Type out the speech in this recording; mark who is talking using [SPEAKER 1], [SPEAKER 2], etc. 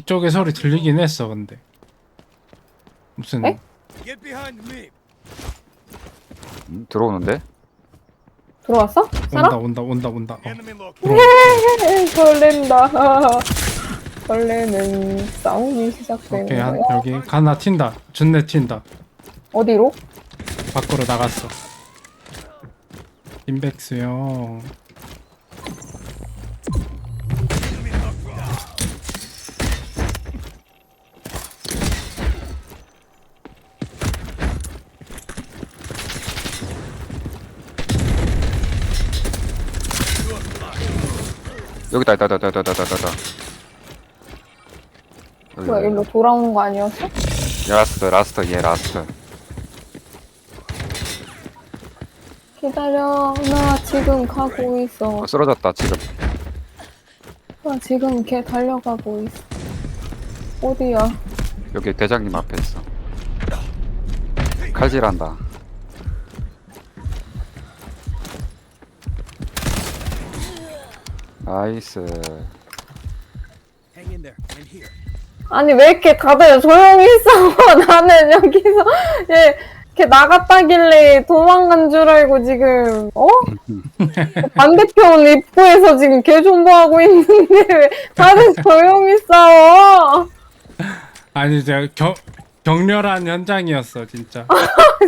[SPEAKER 1] 이쪽에 소리 들리긴 했어. 근데 무슨
[SPEAKER 2] 에?
[SPEAKER 3] Get behind me.
[SPEAKER 4] 들어오는데?
[SPEAKER 2] 들어왔어? 살아?
[SPEAKER 1] 온다.
[SPEAKER 3] Enemy located.
[SPEAKER 1] 들어와.
[SPEAKER 2] 설렌다. 설레는 싸움이 시작되는
[SPEAKER 1] 오케이
[SPEAKER 2] 거야.
[SPEAKER 1] 여기 하나 튄다. 준내 튄다.
[SPEAKER 2] 어디로?
[SPEAKER 1] 밖으로 나갔어. 임백수요.
[SPEAKER 4] 여기다, 있다.
[SPEAKER 2] 뭐야, 일로 돌아오는 거 아니었어?
[SPEAKER 4] 라스트, 얘 라스트.
[SPEAKER 2] 기다려. 나 지금 가고 있어.
[SPEAKER 4] 쓰러졌다, 지금.
[SPEAKER 2] 나 지금 걔 달려가고 있어. 어디야?
[SPEAKER 4] 여기 대장님 앞에 있어. 칼질한다. 나이스.
[SPEAKER 3] Hang in there. I'm here.
[SPEAKER 2] 아니, 왜 이렇게 다들 조용히 있어? 나는 여기서, 걔 나갔다길래 도망간 줄 알고 지금, 반대편 입구에서 지금 개 존버하고 있는데 왜 다들 조용히 싸워?
[SPEAKER 1] 아니 제가 격렬한 현장이었어 진짜.